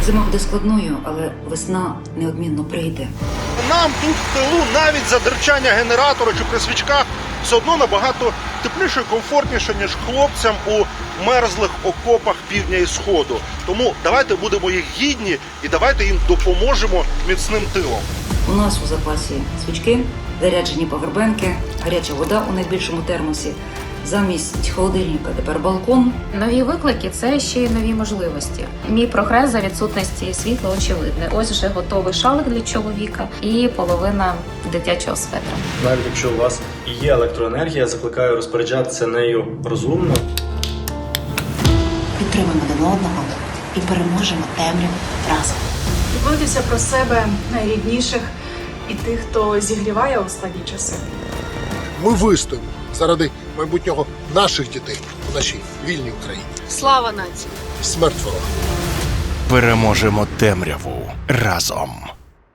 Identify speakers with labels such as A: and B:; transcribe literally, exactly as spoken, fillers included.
A: Зима буде складною, але весна неодмінно прийде.
B: Нам тут в тилу навіть за дерчання генератора чи при свічках все одно набагато тепліше і комфортніше, ніж хлопцям у мерзлих окопах півдня і сходу. Тому давайте будемо їх гідні і давайте їм допоможемо міцним тилом.
A: У нас у запасі свічки, заряджені павербенки, гаряча вода у найбільшому термосі. Замість холодильника тепер балкон.
C: Нові виклики – це ще й нові можливості. Мій прогрес за відсутності світла очевидний. Ось вже готовий шалик для чоловіка і половина дитячого светра.
D: Навіть якщо у вас і є електроенергія, закликаю розпоряджатися нею розумно.
E: Підтримуємо один одного і переможемо темряву разом.
F: Турбуйтеся про себе, найрідніших і тих, хто зігріває у складні часи.
G: Ми вистоїмо заради майбутнього наших дітей у нашій вільній Україні.
F: Слава нації!
G: Смерть ворога!
H: Переможемо темряву разом.